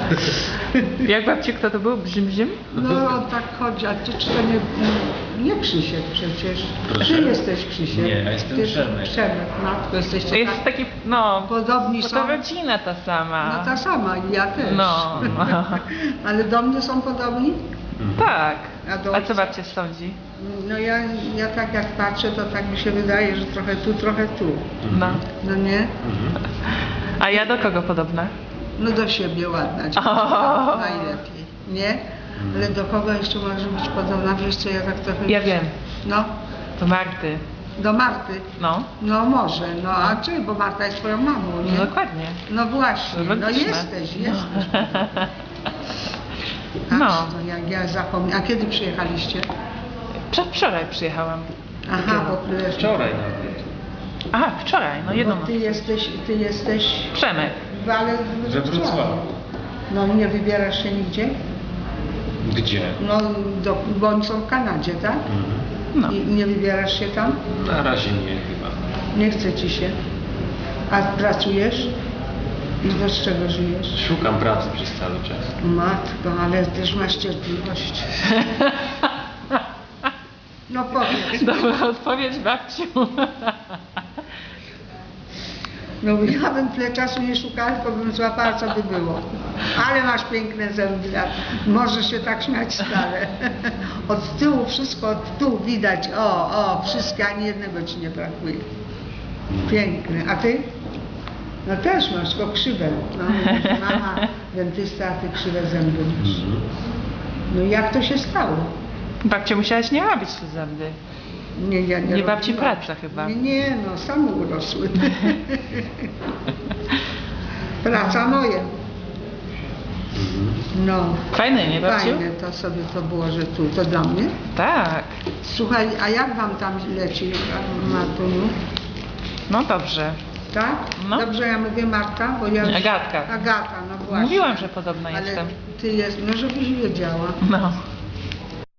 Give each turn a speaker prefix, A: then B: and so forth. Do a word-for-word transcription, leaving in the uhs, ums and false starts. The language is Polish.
A: Jak babci, kto to był? Brzym, brzym?
B: No tak chodzi, a ty czy to nie, nie Krzysiek przecież.
C: Proszę?
B: Ty jesteś Krzysiek.
C: Nie, ja jestem
B: Ty
C: Przemek.
B: Przemek, matko, jesteście
A: Jest
B: tak
A: taki, no,
B: podobni
A: bo
B: są.
A: to rodzina ta sama.
B: No ta sama i ja też.
A: No.
B: Ale do mnie są podobni?
A: Tak.
B: A do
A: A
B: ojca?
A: co babcia sądzi?
B: No ja, ja tak jak patrzę, to tak mi się wydaje, że trochę tu, trochę tu.
A: No.
B: No nie?
A: A ja do kogo podobna?
B: No do siebie ładna, dziewczyna,
A: O.
B: najlepiej, nie? Ale do kogo jeszcze może być podobna? Wiesz co, ja tak trochę...
A: Ja wiem.
B: No,
A: Do Marty.
B: do Marty.
A: No.
B: No może, no a czy, bo Marta jest twoją mamą,
A: No
B: nie?
A: dokładnie.
B: No właśnie, no
A: Logiczne.
B: jesteś, jesteś.
A: No.
B: Aż to jak ja zapomniałam. A kiedy przyjechaliście?
A: Przedwczoraj przyjechałam.
B: Aha, bo królewski.
C: Wczoraj nawet.
A: Aha, wczoraj, no jedną
B: Bo
A: noc.
B: ty jesteś, ty jesteś...
A: Przemek.
B: Ale
C: We Wrocławiu.
B: No nie wybierasz się nigdzie?
C: Gdzie?
B: No, do, bo oni są w Kanadzie, tak?
A: No.
B: I nie wybierasz się tam?
C: Na razie nie chyba.
B: Nie chce ci się. A pracujesz? I do z czego żyjesz?
C: Szukam pracy przez cały czas.
B: Matko, ale też masz cierpliwość. No powiedz.
A: Dobra odpowiedź, babciu.
B: No ja bym tyle czasu nie szukała, tylko bym złapała, co by było. Ale masz piękne zęby, a możesz się tak śmiać stale. Od tyłu, wszystko od tyłu widać, o, o, wszystkie, ani jednego ci nie brakuje. Piękny. A ty? No też masz, tylko krzywe. No, mama dentysta, a ty krzywe zęby masz. No i jak to się stało?
A: Babcia musiałaś nie robić te zęby.
B: Nie, ja nie
A: Nie babci
B: robiłam.
A: praca chyba.
B: Nie, nie, no same urosły. Praca moja. No.
A: Fajne, nie babciu?
B: Fajne to sobie to było, że tu, to dla mnie.
A: Tak.
B: Słuchaj, a jak wam tam leci, Martuniu?
A: No dobrze.
B: Tak?
A: No.
B: Dobrze ja mówię Marta, bo ja...
A: Agatka.
B: Agata, no właśnie.
A: Mówiłam, że podobna
B: Ale
A: jestem.
B: ty jest, no żebyś wiedziała.
A: No.